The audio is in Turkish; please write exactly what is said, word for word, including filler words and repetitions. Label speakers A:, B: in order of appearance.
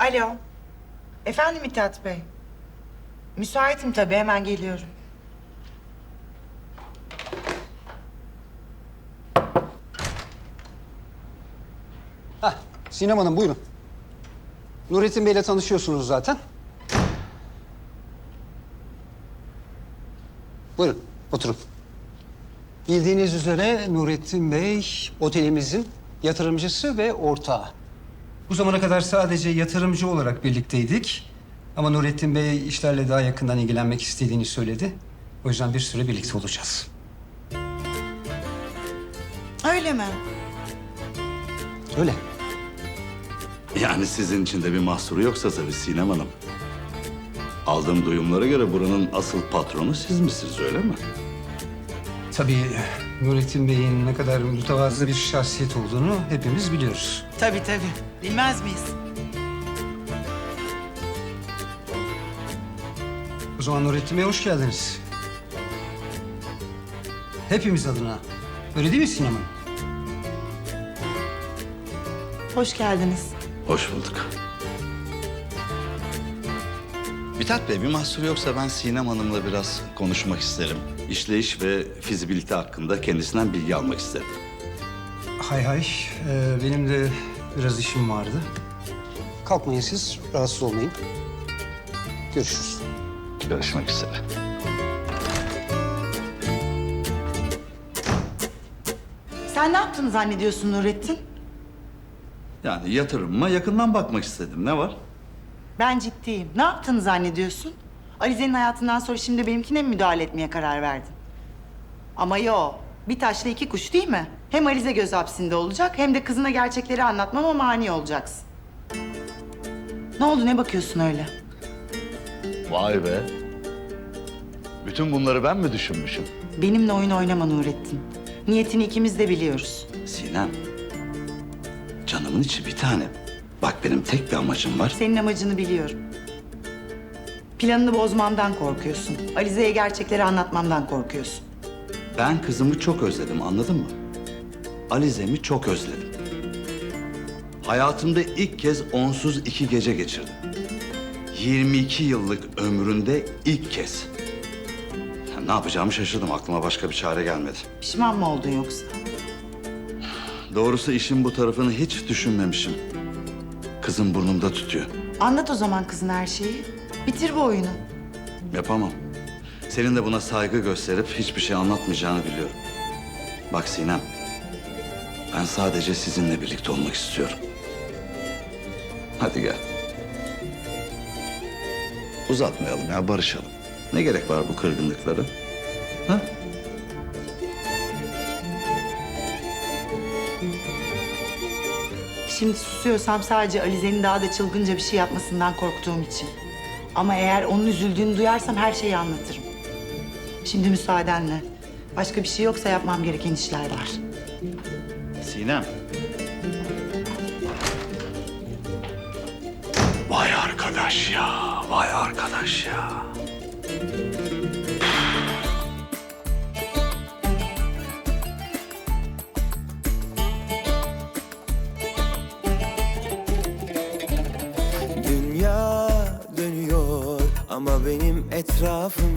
A: Alo. Efendim Mithat Bey. Müsaitim tabii, hemen geliyorum.
B: Hah, Sinem Hanım buyurun. Nurettin Bey'le tanışıyorsunuz zaten. Buyurun, oturun. Bildiğiniz üzere Nurettin Bey otelimizin yatırımcısı ve ortağı. Bu zamana kadar sadece yatırımcı olarak birlikteydik. Ama Nurettin Bey işlerle daha yakından ilgilenmek istediğini söyledi. O yüzden bir süre birlikte olacağız.
A: Öyle mi?
B: Öyle.
C: Yani sizin için de bir mahsuru yoksa tabii Sinem Hanım. Aldığım duyumlara göre buranın asıl patronu siz misiniz, öyle mi?
B: Tabii Nurettin Bey'in ne kadar mütevazı bir şahsiyet olduğunu hepimiz biliyoruz.
A: Tabii tabii. Bilmez miyiz?
B: O zaman Nurettin Bey hoş geldiniz. Hepimiz adına. Öyle değil mi Sinem Hanım?
A: Hoş geldiniz.
C: Hoş bulduk. Mithat Bey, bir mahsuru yoksa ben Sinem Hanım'la biraz konuşmak isterim. İşleyiş ve fizibilite hakkında kendisinden bilgi almak isterim.
B: Hay hay. Ee, benim de biraz işim vardı. Kalkmayın siz. Rahatsız olmayın. Görüşürüz.
C: Görüşmek üzere.
A: Sen ne yaptığını zannediyorsun Nurettin?
C: Yani yatırımıma yakından bakmak istedim. Ne var?
A: Ben ciddiyim. Ne yaptığını zannediyorsun? Alize'nin hayatından sonra şimdi benimkine mi müdahale etmeye karar verdin? Ama yo, bir taşla iki kuş değil mi? Hem Alize göz hapsinde olacak hem de kızına gerçekleri anlatmama mani olacaksın. Ne oldu, ne bakıyorsun öyle?
C: Vay be. Bütün bunları ben mi düşünmüşüm?
A: Benimle oyun oynama Nurettin. Niyetini ikimiz de biliyoruz.
C: Sinem, canımın içi bir tanem. Bak benim tek bir amacım var.
A: Senin amacını biliyorum. Planını bozmamdan korkuyorsun. Alize'ye gerçekleri anlatmamdan korkuyorsun.
C: Ben kızımı çok özledim, anladın mı? Alize'mi çok özledim. Hayatımda ilk kez onsuz iki gece geçirdim. yirmi iki yıllık ömründe ilk kez. Ya ne yapacağımı şaşırdım, aklıma başka bir çare gelmedi.
A: Pişman mı oldun yoksa?
C: Doğrusu işin bu tarafını hiç düşünmemişim. Kızım burnumda tutuyor.
A: Anlat o zaman kızın her şeyi. Bitir bu oyunu.
C: Yapamam. Senin de buna saygı gösterip hiçbir şey anlatmayacağını biliyorum. Bak Sinem, ben sadece sizinle birlikte olmak istiyorum. Hadi gel. Uzatmayalım ya, barışalım. Ne gerek var bu kırgınlıklara? Ha?
A: Şimdi susuyorsam sadece Alize'nin daha da çılgınca bir şey yapmasından korktuğum için. Ama eğer onun üzüldüğünü duyarsam her şeyi anlatırım. Şimdi müsaadenle. Başka bir şey yoksa yapmam gereken işler var.
C: Sinem. Vay arkadaş ya, vay arkadaş ya.
D: Dünya dönüyor ama benim etrafım